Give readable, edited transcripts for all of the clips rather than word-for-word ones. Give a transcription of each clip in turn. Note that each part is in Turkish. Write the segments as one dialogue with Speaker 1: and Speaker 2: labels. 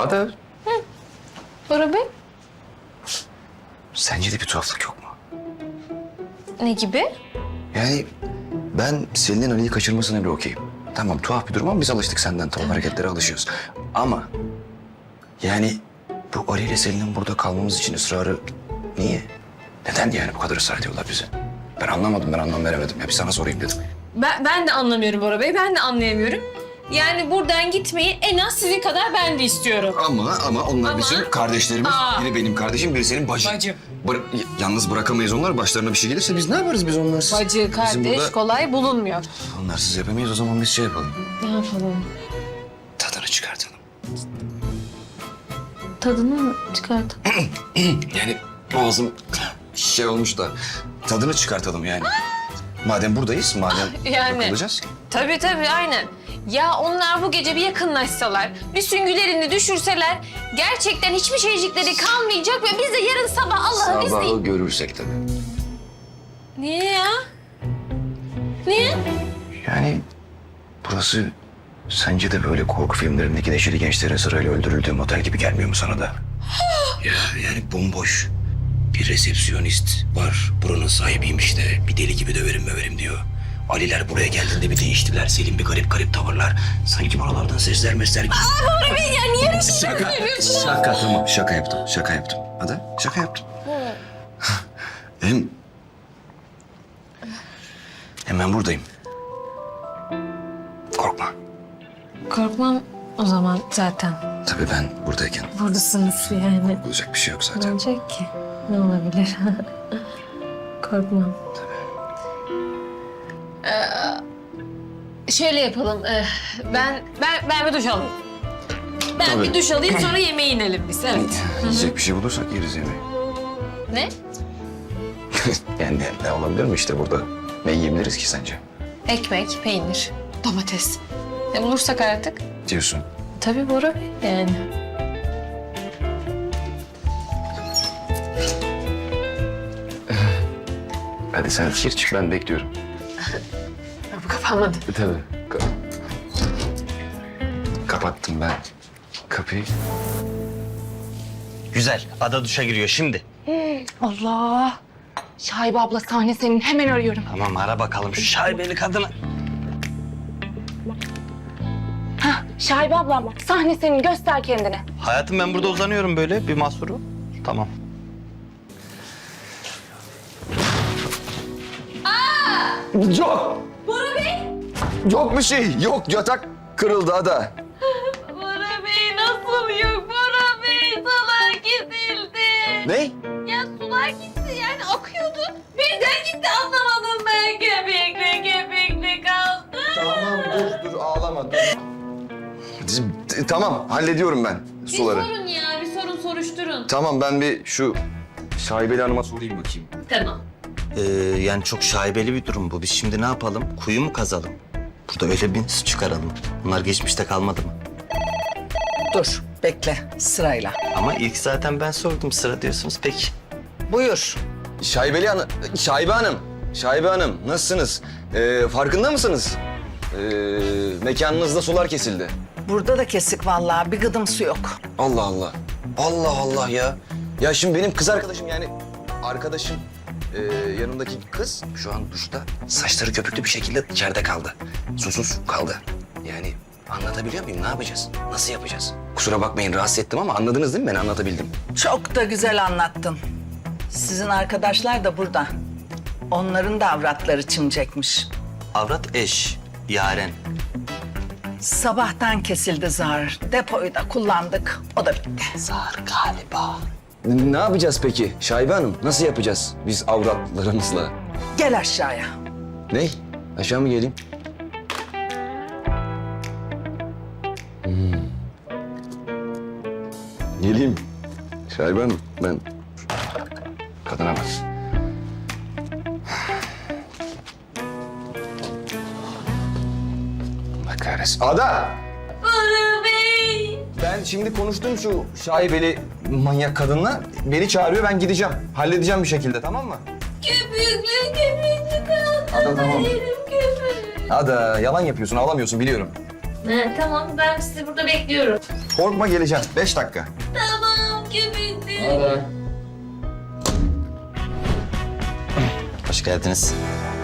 Speaker 1: Ada,
Speaker 2: Bora Bey?
Speaker 1: sence de bir tuhaflık yok mu?
Speaker 2: Ne gibi?
Speaker 1: Yani ben Selin'in Ali'yi kaçırmasına bile okeyim. Tamam tuhaf bir durum ama biz alıştık senden. Tuhaf hareketlere alışıyoruz. Ama yani bu Ali ile Selin'in burada kalmamız için ısrarı niye? Neden yani bu kadar ısrar ediyorlar bize? Ben anlamadım, ben anlam veremedim. Ya bir sana sorayım dedim.
Speaker 2: Ben de anlamıyorum Bora Bey, ben de anlayamıyorum. Yani buradan gitmeyi en az sizin kadar ben de istiyorum.
Speaker 1: Ama onlar
Speaker 2: Ama-
Speaker 1: bizim kardeşlerimiz.
Speaker 2: Aa.
Speaker 1: Biri benim kardeşim, biri senin bacın.
Speaker 2: Bacım.
Speaker 1: Yalnız bırakamayız onlar. Başlarına bir şey gelirse biz ne yaparız biz onlarsız?
Speaker 2: Bacı,
Speaker 1: Bizim
Speaker 2: kardeş
Speaker 1: burada
Speaker 2: kolay bulunmuyor.
Speaker 1: onlarsız yapamayız. O zaman biz şey yapalım.
Speaker 2: Ne yapalım?
Speaker 1: Tadını çıkartalım.
Speaker 2: Tadını mı çıkartalım?
Speaker 1: Yani boğazım şey olmuş da tadını çıkartalım yani. Madem buradayız, madem
Speaker 2: Yani.
Speaker 1: bakılacağız.
Speaker 2: Tabii aynen. Ya onlar bu gece bir yakınlaşsalar, bir süngülerini düşürseler gerçekten hiçbir şeycikleri kalmayacak ve biz de yarın sabah Allah'ın izniyle...
Speaker 1: Sabahı görürsek tabii.
Speaker 2: Niye ya? Niye?
Speaker 1: Yani burası sence de böyle korku filmlerindeki neşeli gençlerin sırayla öldürüldüğü motel gibi gelmiyor mu sana da? Ya yani bomboş. Bir resepsiyonist var. Buranın sahibiymiş de bir deli gibi döverim diyor. Aliler buraya geldiğinde bir değiştiler. Selim bir garip garip sanki buralardan sesler mesler gibi.
Speaker 2: Bora Bey ya niye bir şey
Speaker 1: Şaka tamam şaka yaptım. Hadi şaka yaptım. Hem ben buradayım. Korkma.
Speaker 2: Korkmam o zaman zaten.
Speaker 1: Tabii ben buradayken
Speaker 2: Buradasınız yani.
Speaker 1: olacak bir şey yok
Speaker 2: Ne
Speaker 1: zaten.
Speaker 2: olacak ki? Ne olabilir? Korkmam. Şöyle yapalım. Ben bir duş alayım. Ben
Speaker 1: Tabii.
Speaker 2: bir duş alayım sonra yemeğe inelim biz. Evet.
Speaker 1: Yiyecek bir şey bulursak yeriz yemeği.
Speaker 2: Ne?
Speaker 1: Yani ne olabilir mi işte burada? Ne yiyebiliriz ki sence?
Speaker 2: Ekmek, peynir, domates. Ne bulursak artık.
Speaker 1: Diyorsun.
Speaker 2: Tabii Bora Bey yani.
Speaker 1: Hadi sen gir çık ben bekliyorum.
Speaker 2: Bu kapanmadı.
Speaker 1: Tabii. Kapattım ben kapıyı.
Speaker 3: Güzel. Ada duşa giriyor şimdi.
Speaker 4: Allah! Şahibe abla sahne senin. Hemen arıyorum.
Speaker 3: Tamam ara bakalım şu şaibeli kadını.
Speaker 4: Hah, Şahibe ablam sahne senin. Göster kendini.
Speaker 3: Hayatım ben burada uzanıyorum böyle bir mahsuru. Tamam.
Speaker 1: Yok.
Speaker 2: Bora Bey!
Speaker 1: Yok bir şey. Yok yatak kırıldı Ada.
Speaker 2: Bora Bey nasıl yok? Bora Bey sular gidildi.
Speaker 1: Ne?
Speaker 2: Ya sular gitti yani akıyordu. Birden gitti anlamadım ben. Köpekli kaldı.
Speaker 1: Tamam dur ağlama dur. Tamam hallediyorum ben suları.
Speaker 2: Bir sorun ya bir sorun soruşturun.
Speaker 1: Tamam ben bir şu şaibeli hanıma sorayım bakayım.
Speaker 2: Tamam.
Speaker 3: Yani çok şaibeli bir durum bu. Biz şimdi ne yapalım? Kuyu mu kazalım? Burada öyle bir su çıkaralım. Bunlar geçmişte kalmadı mı?
Speaker 5: Dur, bekle sırayla.
Speaker 3: Ama ilk zaten ben sordum sıra diyorsunuz. Peki.
Speaker 5: Buyur.
Speaker 1: Şaibe Hanım nasılsınız? Farkında mısınız? Mekanınızda sular kesildi.
Speaker 5: Burada da kesik vallahi, bir gıdım su yok.
Speaker 1: Allah Allah. Allah Allah ya. Ya şimdi benim kız arkadaşım yani arkadaşım yanımdaki kız şu an duşta saçları köpüklü bir şekilde içeride kaldı. Susuz kaldı. Yani anlatabiliyor muyum? Ne yapacağız? Nasıl yapacağız? Kusura bakmayın rahatsız ettim ama anladınız değil mi? Ben anlatabildim.
Speaker 5: Çok da güzel anlattın. Sizin arkadaşlar da burada. Onların da avratları çimecekmiş.
Speaker 3: Avrat eş, yaren.
Speaker 5: Sabahtan kesildi zar. Depoyu da kullandık. O da bitti.
Speaker 3: Zar galiba.
Speaker 1: Ne yapacağız peki Şaibe Hanım? Nasıl yapacağız biz avratlarımızla?
Speaker 5: Gel aşağıya.
Speaker 1: Ne? Aşağı mı geleyim? Geleyim. Şaibe Hanım ben... Kadına bak. Allah kahretsin. Ada!
Speaker 2: Bora Bey!
Speaker 1: Ben şimdi konuştum şu şaibeli manyak kadınla. Beni çağırıyor ben gideceğim. Halledeceğim bir şekilde tamam mı?
Speaker 2: Köpüklü kaldı.
Speaker 1: Ada tamam.
Speaker 2: Yerim köpüğü.
Speaker 1: Ada yalan yapıyorsun ağlamıyorsun biliyorum.
Speaker 2: Tamam ben sizi burada bekliyorum.
Speaker 1: Korkma geleceğim. 5 dakika.
Speaker 2: Tamam göbekli.
Speaker 3: Hoş geldiniz.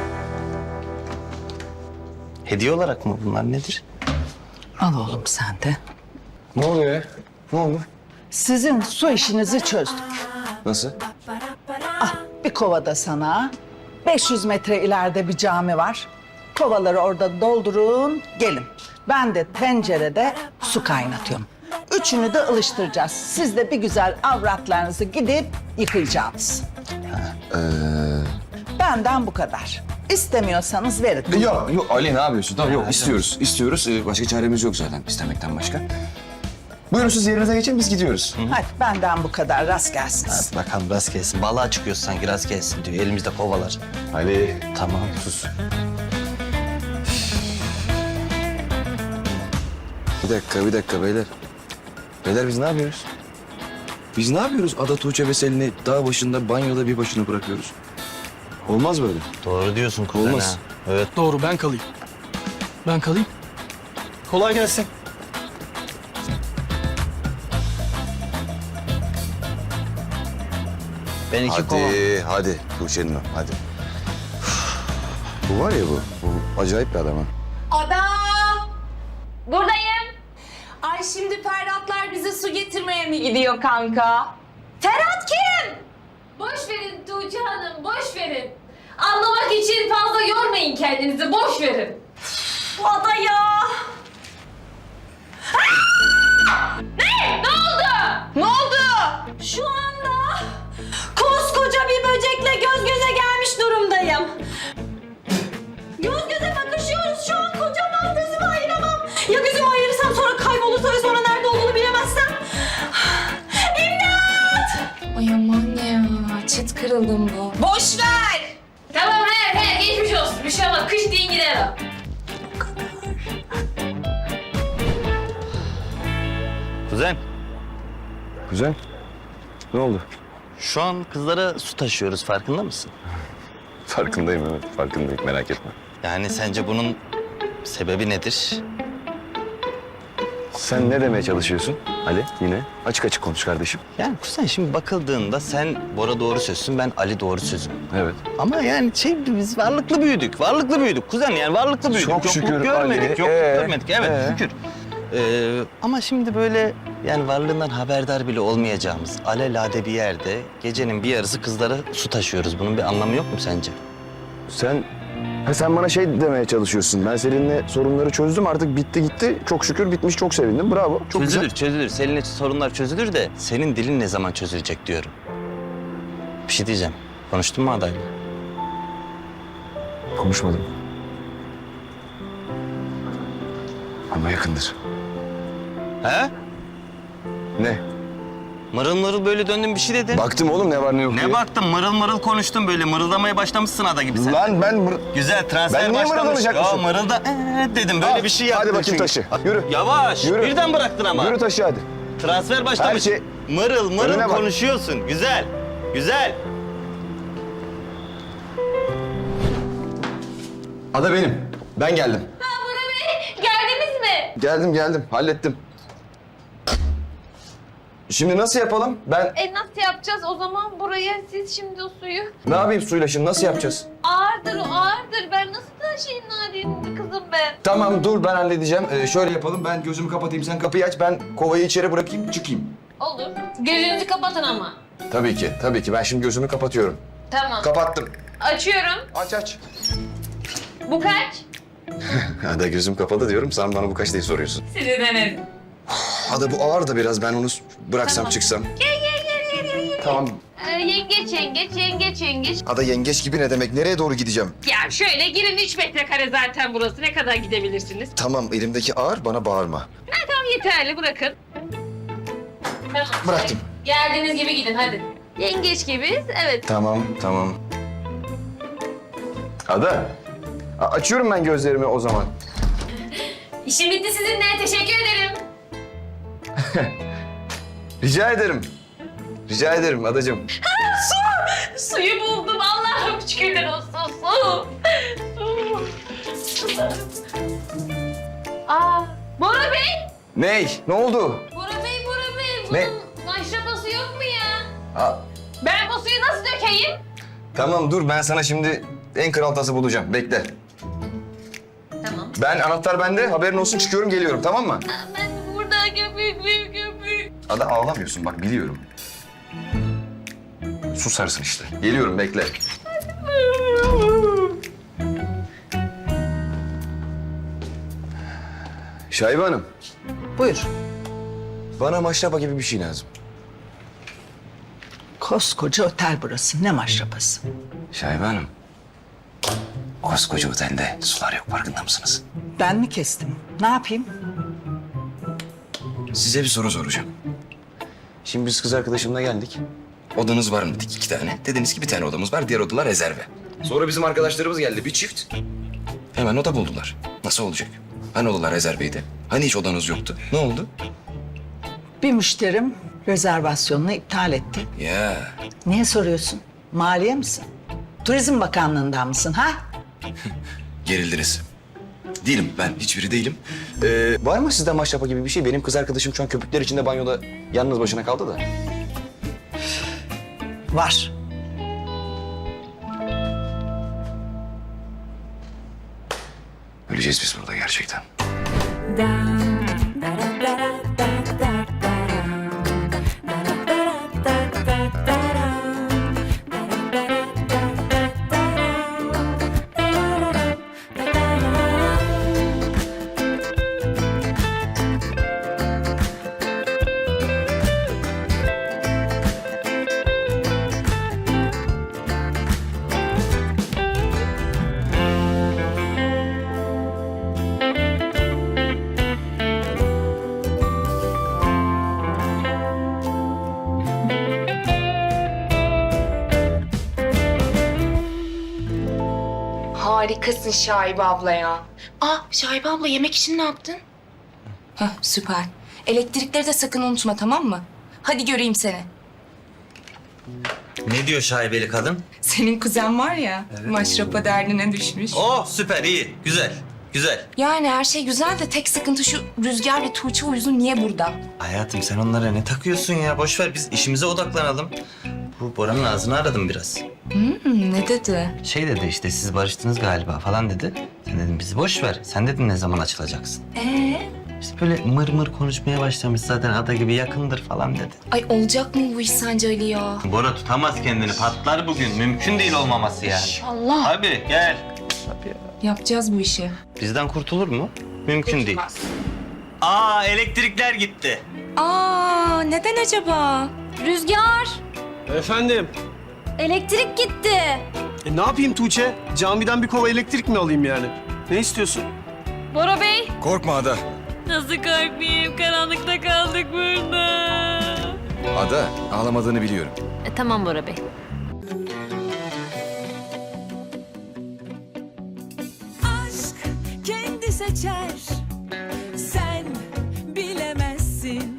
Speaker 3: Hediye olarak mı bunlar nedir?
Speaker 5: Al oğlum sen de.
Speaker 1: Ne oluyor ya? Ne oldu?
Speaker 5: Sizin su işinizi çözdük.
Speaker 1: Nasıl?
Speaker 5: Bir kovada sana. 500 metre ileride bir cami var. Kovaları orada doldurun, gelin. Ben de tencerede su kaynatıyorum. Üçünü de ılıştıracağız. Siz de bir güzel avratlarınızı gidip yıkayacaksınız. Benden bu kadar. İstemiyorsanız verin.
Speaker 1: Yok Ali ne yapıyorsun? Tamam yok istiyoruz. İstiyoruz. Başka çaremiz yok zaten istemekten başka. Buyurun siz yerinize geçin biz gidiyoruz.
Speaker 5: Hadi benden bu kadar. Rast gelsin.
Speaker 3: Hadi bakalım rast gelsin. Balığa çıkıyoruz sanki rast gelsin diyor. Elimizde kovalar.
Speaker 1: Ali.
Speaker 3: Tamam sus.
Speaker 1: Bir dakika beyler. Beyler biz ne yapıyoruz? Biz ne yapıyoruz? Ada Tuğçe ve Selin'i dağ başında banyoda bir başına bırakıyoruz. Olmaz böyle.
Speaker 3: Doğru diyorsun kuzen
Speaker 1: Olmaz.
Speaker 3: ha. Evet.
Speaker 6: Doğru ben kalayım. Ben kalayım. Kolay gelsin.
Speaker 3: Ben iki kova.
Speaker 1: Hadi Tuğçe'nin o, hadi. Bu var ya bu acayip bir adam ha.
Speaker 4: Ada!
Speaker 2: Buradayım.
Speaker 4: Ay şimdi Ferhatlar bize su getirmeye mi gidiyor kanka? Ferhat kim?
Speaker 2: Boş verin Tuğçe Hanım, boş verin. Anlamak için fazla yormayın kendinizi, boş verin.
Speaker 4: Ada ya!
Speaker 2: Ne? Ne oldu?
Speaker 4: Ne oldu? Şu anda koskoca bir böcekle göz göze gelmiş durumdayım. Göz göze bakışıyoruz şu an, kocaman, gözümü ayıramam. Ya gözümü ayırırsam sonra kaybolursa ve sonra nerede olduğunu bilemezsem? İmdat!
Speaker 2: Ay aman ya, çıt kırıldım bu.
Speaker 4: Boş ver!
Speaker 2: Tamam he, geçmiş olsun. Bir şey olmaz, kış deyin gider o.
Speaker 3: Kuzen
Speaker 1: Güzel. Ne oldu?
Speaker 3: şu an kızlara su taşıyoruz farkında mısın?
Speaker 1: Farkındayım evet farkındayım merak etme.
Speaker 3: Yani sence bunun sebebi nedir?
Speaker 1: Sen ne demeye çalışıyorsun Ali yine? Açık açık konuş kardeşim.
Speaker 3: Yani kuzen şimdi bakıldığında sen Bora doğru sözsün, ben Ali doğru sözüm.
Speaker 1: Evet.
Speaker 3: Ama yani biz varlıklı büyüdük. Varlıklı büyüdük kuzen yani varlıklı büyüdük.
Speaker 1: Çok şükür
Speaker 3: Yokluk görmedik,
Speaker 1: Ali.
Speaker 3: yokluk görmedik. Evet şükür. Ama şimdi böyle yani varlığından haberdar bile olmayacağımız alelade bir yerde gecenin bir yarısı kızlara su taşıyoruz. Bunun bir anlamı yok mu sence?
Speaker 1: Sen bana şey demeye çalışıyorsun. Ben seninle sorunları çözdüm artık bitti gitti. Çok şükür bitmiş çok sevindim bravo. Çok
Speaker 3: Çözülür. Seninle sorunlar çözülür de senin dilin ne zaman çözülecek diyorum. Bir şey diyeceğim. Konuştun mu adayla?
Speaker 1: Konuşmadım. Ama yakındır.
Speaker 3: He?
Speaker 1: Ne?
Speaker 3: Mırıl mırıl böyle döndün bir şey dedin.
Speaker 1: Baktım oğlum ne var ne yok diye.
Speaker 3: Ne baktın? Mırıl mırıl konuştun böyle. Mırıldamaya başlamışsın ada gibi sen.
Speaker 1: Lan ben...
Speaker 3: Güzel transfer
Speaker 1: Ben niye
Speaker 3: başlamış.
Speaker 1: mırıldamayacakmışım?
Speaker 3: Ya mırılda dedim böyle
Speaker 1: Al,
Speaker 3: bir şey yaptın
Speaker 1: hadi bakayım
Speaker 3: çünkü.
Speaker 1: taşı, yürü.
Speaker 3: Yavaş.
Speaker 1: Yürü.
Speaker 3: Birden bıraktın ama.
Speaker 1: Yürü taşı hadi.
Speaker 3: Transfer başlamış.
Speaker 1: Her şey-
Speaker 3: Mırıl mırıl
Speaker 1: Önüne bak.
Speaker 3: konuşuyorsun. Güzel. Güzel.
Speaker 1: Ada benim. Ben geldim.
Speaker 2: Ha Bora Bey, geldiniz mi?
Speaker 1: Geldim. Hallettim. Şimdi nasıl yapalım? Ben
Speaker 2: Nasıl yapacağız o zaman buraya? Siz şimdi o suyu.
Speaker 1: ne yapayım suyla şimdi nasıl yapacağız?
Speaker 2: Ağırdır o ağırdır. Ben nasıl taşıyayım Nadine'in kızım ben?
Speaker 1: Tamam dur ben halledeceğim. Şöyle yapalım ben gözümü kapatayım sen kapıyı aç. Ben kovayı içeri bırakayım çıkayım.
Speaker 2: Olur. Gözünüzü kapatın ama.
Speaker 1: Tabii ki. Ben şimdi gözümü kapatıyorum.
Speaker 2: Tamam.
Speaker 1: Kapattım.
Speaker 2: Açıyorum.
Speaker 1: Aç.
Speaker 2: Bu kaç?
Speaker 1: Ada gözüm kapalı diyorum. Sen bana bu kaç diye soruyorsun.
Speaker 2: Sizi denedim.
Speaker 1: Ada bu ağır da biraz ben onu bıraksam
Speaker 2: Tamam.
Speaker 1: çıksam.
Speaker 2: Gel.
Speaker 1: Tamam.
Speaker 2: Yengeç.
Speaker 1: Ada yengeç gibi ne demek? Nereye doğru gideceğim?
Speaker 2: Ya şöyle girin 3 metrekare zaten burası. Ne kadar gidebilirsiniz?
Speaker 1: Tamam elimdeki ağır bana bağırma.
Speaker 2: Tamam yeterli bırakın. Tamam.
Speaker 1: Bıraktım.
Speaker 2: Geldiğiniz gibi gidin hadi. Yengeç gibiyiz evet.
Speaker 1: Tamam. Ada. Açıyorum ben gözlerimi o zaman.
Speaker 2: İşim bitti sizinle. Teşekkür ederim.
Speaker 1: Rica ederim adacığım.
Speaker 2: Suyu buldum. Allah'ım şükürler olsun. Su. Aa, Bora Bey!
Speaker 1: Ney? Ne oldu?
Speaker 2: Bora Bey, Bora Bey. Bunun
Speaker 1: Ne?
Speaker 2: maşrapası yok mu ya?
Speaker 1: Aa,
Speaker 2: Ben bu suyu nasıl dökeyim?
Speaker 1: tamam dur ben sana şimdi en kral tası bulacağım. Bekle.
Speaker 2: Tamam.
Speaker 1: Ben anahtar bende. Haberin olsun çıkıyorum geliyorum tamam mı?
Speaker 2: Ben burada köpük.
Speaker 1: Ada ağlamıyorsun bak biliyorum. Susarsın işte. Geliyorum bekle. Şahibe Hanım,
Speaker 5: Buyur.
Speaker 1: bana maşrapa gibi bir şey lazım.
Speaker 5: Koskoca otel burası. Ne maşrapası?
Speaker 1: Şahibe Hanım, koskoca otelde sular yok farkında mısınız?
Speaker 5: Ben mi kestim? Ne yapayım?
Speaker 1: Size bir soru soracağım. Şimdi biz kız arkadaşımla geldik. Odanız var mı dedik 2 tane. Dediniz ki bir tane odamız var, diğer odalar rezerve. Sonra bizim arkadaşlarımız geldi, bir çift. Hemen oda buldular. Nasıl olacak? Hani odalar rezerveydi? Hani hiç odanız yoktu? Ne oldu?
Speaker 5: Bir müşterim rezervasyonunu iptal etti.
Speaker 1: Ya
Speaker 5: Niye soruyorsun? Maliye misin? Turizm Bakanlığı'ndan mısın ha?
Speaker 1: gerildiniz. Değilim ben, hiçbiri değilim. Var mı sizde maşrapa gibi bir şey? Benim kız arkadaşım şu an köpükler içinde banyoda yalnız başına kaldı da.
Speaker 5: Var.
Speaker 1: Öleceğiz biz burada gerçekten.
Speaker 7: Harikasın Şahibe abla ya. Şahibe abla yemek için ne yaptın? Heh, süper. Elektrikleri de sakın unutma tamam mı? Hadi göreyim seni.
Speaker 3: Ne diyor şaibeli kadın?
Speaker 7: Senin kuzen var ya, maşrapa derdine düşmüş.
Speaker 3: Oh süper iyi. Güzel. Güzel.
Speaker 7: Yani her şey güzel de tek sıkıntı şu Rüzgar ve Tuğçe uyuzu niye burada?
Speaker 3: Hayatım sen onlara ne takıyorsun ya? Boş ver biz işimize odaklanalım. Bu Bora'nın ağzını aradım biraz.
Speaker 7: Ne dedi?
Speaker 3: Şey dedi işte siz barıştınız galiba falan dedi. Sen dedim bizi boş ver. Sen dedin ne zaman açılacaksın? İşte böyle mır mır konuşmaya başlamış zaten ada gibi yakındır falan dedi.
Speaker 7: Ay olacak mı bu iş sence Ali ya?
Speaker 3: Bora tutamaz kendini patlar bugün. Mümkün değil olmaması yani.
Speaker 7: Allah.
Speaker 3: Abi gel.
Speaker 7: Yapacağız bu işi.
Speaker 3: Bizden kurtulur mu? Mümkün değil.
Speaker 7: Kurtulmaz.
Speaker 3: Elektrikler gitti.
Speaker 7: Neden acaba?
Speaker 4: Rüzgar,
Speaker 6: Efendim,
Speaker 4: elektrik gitti.
Speaker 6: ne yapayım Tuğçe? Camiden bir kova elektrik mi alayım yani? Ne istiyorsun?
Speaker 2: Bora Bey!
Speaker 1: Korkma Ada.
Speaker 2: Nasıl korkmayayım? Karanlıkta kaldık burada.
Speaker 1: Ada ağlamadığını biliyorum.
Speaker 2: Tamam Bora Bey.
Speaker 8: Aşk kendi seçer